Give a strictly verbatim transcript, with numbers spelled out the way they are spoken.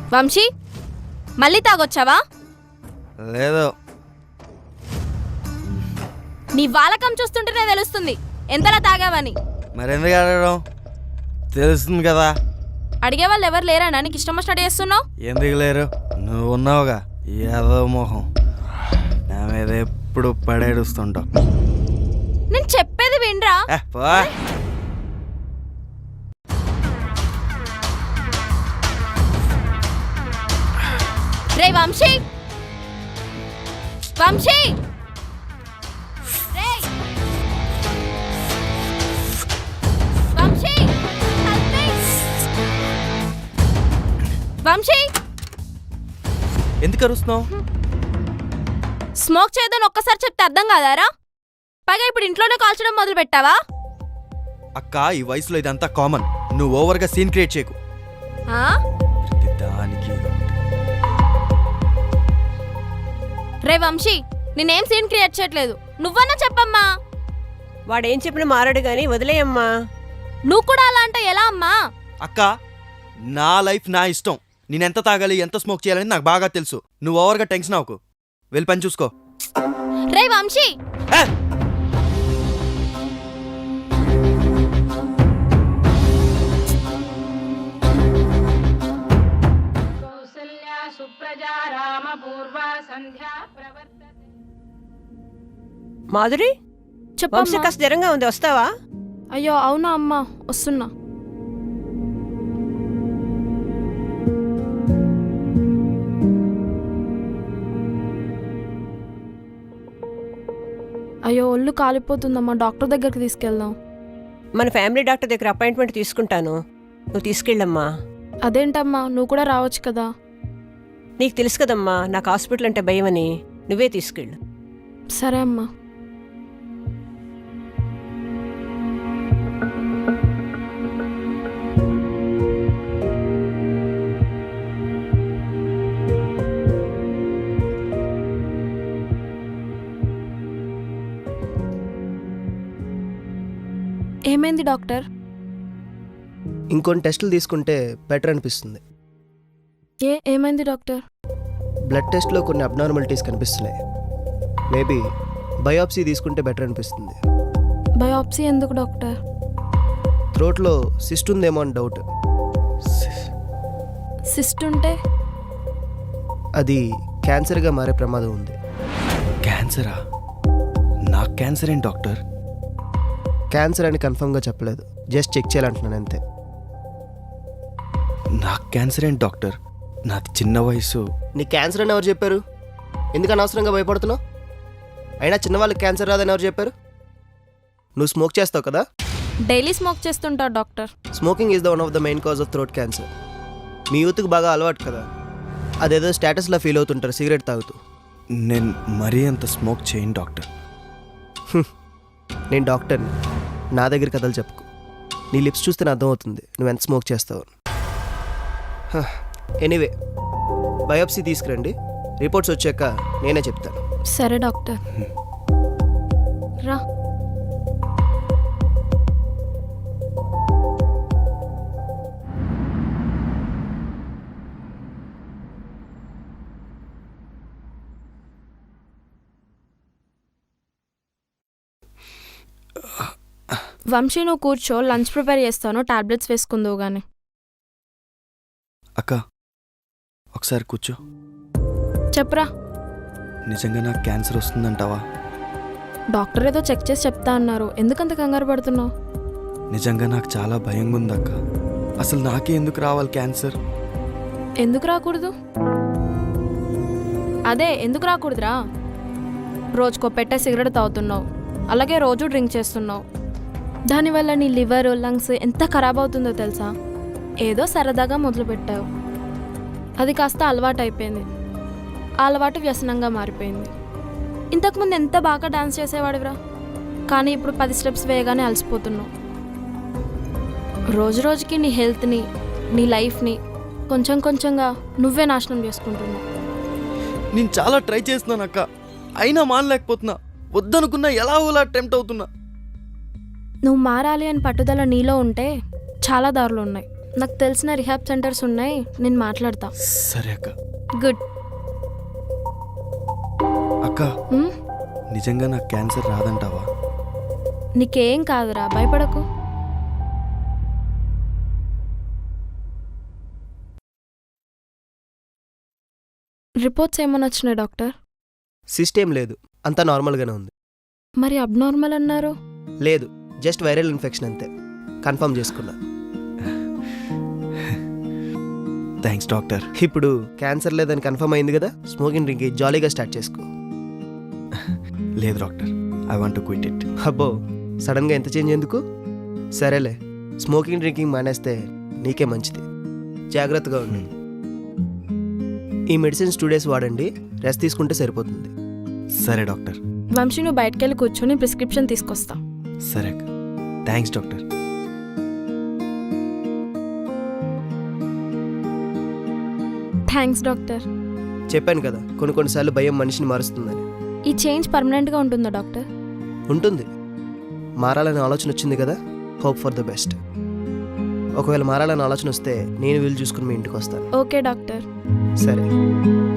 వంశీ మళ్ళీ తాగొచ్చావా? లేదు. నీ వాలకం చూస్తుంటేనే తెలుస్తుంది ఎంతలా తాగావని. మరెందుకు అడగడం? తెలుస్తుంది కదా. అడిగే వాళ్ళు ఎవరు లేరా? నీకు ఇష్టం వచ్చినట్టు చేస్తున్నావు. ఎందుకు లేరు? నువ్వు ఉన్నావుగా. ఏదో మొహం నా మీద ఎప్పుడు పడేడుస్తుంటావు. నేను చెప్పేది వినరా? రే వంశీ, వంశీ, వంశీ, వంశీ, ఎందుకు అరుస్తున్నావు? స్మోక్ చేయదని ఒక్కసారి చెప్తే అర్థం కాదారా? పైగా ఇప్పుడు ఇంట్లోనే కాల్చడం మొదలు పెట్టావా? అక్క, ఈ వయసులో ఇదంతా కామన్. నువ్వు ఓవర్గా సీన్ క్రియేట్ చేయకు. దానికి రే వంశీ, నేనేం సీన్ క్రియేట్ చేయట్లేదు. నువ్వన్నా చెప్పమ్మా. వాడేం చెప్పినా మారాడు గాని వదిలేయమ్మా. నువ్వు కూడా అలా అంటే ఎలా అమ్మా? అక్క, నా లైఫ్ నా ఇష్టం. నేనెంత తాగాలి, ఎంత స్మోక్ చేయాలని నాకు బాగా తెలుసు. నువ్వు ఓవర్గా టెన్షన్ అవ్వకు. వెళ్ళి పని చూసుకో. రే వంశీ, మాధురి, వంశీ కాస్త జ్వరంగా ఉంది, వస్తావా? అయ్యో అవునా అమ్మా, వస్తున్నా. అయ్యో ఒళ్ళు కాలిపోతుందమ్మా, డాక్టర్ దగ్గరికి తీసుకెళ్దాం. మన ఫ్యామిలీ డాక్టర్ దగ్గర అపాయింట్మెంట్ తీసుకుంటాను, నువ్వు తీసుకెళ్ళమ్మా. అదేంటమ్మా, నువ్వు కూడా రావచ్చు కదా. నీకు తెలుసు కదమ్మా నాకు హాస్పిటల్ అంటే భయమని. నువ్వే తీసుకెళ్ళు. సరే అమ్మా. ఏమైంది డాక్టర్? ఇంకొన్ని టెస్టులు తీసుకుంటే బెటర్ అనిపిస్తుంది. ఏ ఏమైంది డాక్టర్? బ్లడ్ టెస్ట్లో కొన్ని అబ్నార్మాలిటీస్ కనిపిస్తున్నాయి. మేబీ బయాప్సీ తీసుకుంటే బెటర్ అనిపిస్తుంది. బయాప్సీ ఎందుకు డాక్టర్? థ్రోట్లో సిస్ట్ ఉందేమో అని డౌట్. సిస్ట్ ఉంటే అది క్యాన్సర్గా మారే ప్రమాదం ఉంది. క్యాన్సరా? నాకు క్యాన్సర్ ఏంటి డాక్టర్? క్యాన్సర్ అని కన్ఫర్మ్గా చెప్పలేదు, జస్ట్ చెక్ చేయాలంటున్నాను అంతే. నాకు క్యాన్సర్ ఏంటి డాక్టర్? నాది చిన్న వయసు. నీ క్యాన్సర్ అని ఎవరు చెప్పారు? ఎందుకు అనవసరంగా భయపడుతున్నావు? అయినా చిన్నవాళ్ళకి క్యాన్సర్ రాదని ఎవరు చెప్పారు? నువ్వు స్మోక్ చేస్తావు కదా. డైలీ స్మోక్ చేస్తుంటావు doctor. Smoking is the one of the main cause of throat cancer. మీ యూత్కి బాగా అలవాటు కదా, అదేదో స్టేటస్లో ఫీల్ అవుతుంటారు సిగరెట్ తాగుతూ. నేను మరీ అంత స్మోక్ చేయను డాక్టర్. నేను డాక్టర్ని, నా దగ్గర కథలు చెప్పుకో. నీ లిప్స్ చూస్తే అర్థమవుతుంది నువ్వు ఎంత స్మోక్ చేస్తావు. ఎనీవే, బయాప్సీ తీసుకురండి, రిపోర్ట్స్ వచ్చాక నేనే చెప్తాను. సరే డాక్టర్. రా. వంశీ నువ్వు కూర్చో, లంచ్ ప్రిపేర్ చేస్తాను, టాబ్లెట్స్ వేసుకుందువు గానీ. అక్క ఒకసారి కూర్చో. చెప్పరా. నిజంగా నాకు క్యాన్సర్ వస్తుందంటావా? డాక్టర్ ఏదో చెక్ చేసి చెప్తా అన్నారు, ఎందుకంత కంగారు పడుతున్నావు? నిజంగా నాకు చాలా భయంగా ఉంది అక్క. అసలు నాకే ఎందుకు రావాలి క్యాన్సర్? ఎందుకు రాకూడదు? అదే ఎందుకు రాకూడదురా? రోజుకో పెట్టే సిగరెట్ తాగుతున్నావు, అలాగే రోజు డ్రింక్ చేస్తున్నావు. దానివల్ల నీ లివర్ లంగ్స్ ఎంత ఖరాబ్ అవుతుందో తెలుసా? ఏదో సరదాగా మొదలుపెట్టావు, అది కాస్త అలవాటు అయిపోయింది. ఆ అలవాటు వ్యసనంగా మారిపోయింది. ఇంతకుముందు ఎంత బాగా డాన్స్ చేసేవాడివిరా, కానీ ఇప్పుడు పది స్టెప్స్ వేయగానే అలసిపోతున్నావు. రోజు రోజుకి నీ హెల్త్ని, నీ లైఫ్ని కొంచెం కొంచెంగా నువ్వే నాశనం చేసుకుంటున్నావు. నేను చాలా ట్రై చేస్తున్నాను అక్క, అయినా మానలేకపోతున్నా. వద్దనుకున్నా ఎలా ఊలా టెంప్ట్ అవుతున్నా. నువ్వు మారాలి అని పట్టుదల నీలో ఉంటే చాలా దారులు ఉన్నాయి. నాకు తెలిసిన రిహాబ్ సెంటర్స్ ఉన్నాయి, నేను మాట్లాడతా. సరే అక్క. గుడ్. అక్క హ్మ్? నిజంగా నాకు క్యాన్సర్ రాదంటావా? నీకేం కాదురా, భయపడకు. రిపోర్ట్స్ ఏమని వచ్చినాయి డాక్టర్? సిస్టమ్ లేదు, అంతా నార్మల్గానే ఉంది. మరి అబ్నార్మల్ అన్నారు. లేదు, జస్ట్ వైరల్ ఇన్ఫెక్షన్ అంతే. కన్ఫర్మ్ చేసుకున్నా. Thanks doctor. ఇప్పుడు క్యాన్సర్ లేదని కన్ఫర్మ్ అయింది కదా, స్మోకింగ్ డ్రింక్ జాలీగా స్టార్ట్ చేసుకో. లేదు doctor, I want to quit it. అబ్బో, సడన్గా ఎంత చేంజ్ ఎందుకు? సరేలే, స్మోకింగ్ డ్రింకింగ్ మానేస్తే నీకే మంచిది. జాగ్రత్తగా ఉండు. ఈ మెడిసిన్స్ టూ డేస్ వాడండి, రెస్ట్ తీసుకుంటే సరిపోతుంది. సరే డాక్టర్. వంశీ, నువ్వు బయటకెళ్ళి కూర్చొని ప్రిస్క్రిప్షన్ తీసుకొస్తా. సరే అక్క. Thanks doctor. Thanks doctor. చెప్పాను కదా, కొన్ని కొన్నిసార్లు భయం మనిషిని మారుస్తుందని. ఈ చేంజ్ పర్మనెంట్గా ఉంటుందా డాక్టర్? ఉంటుంది. మారాలనే ఆలోచన వచ్చింది కదా, హోప్ ఫర్ ద బెస్ట్. ఒకవేళ మారాలనే ఆలోచన వస్తే నేను వీలు చూసుకుని మీ ఇంటికి వస్తాను. Okay doctor. సరే.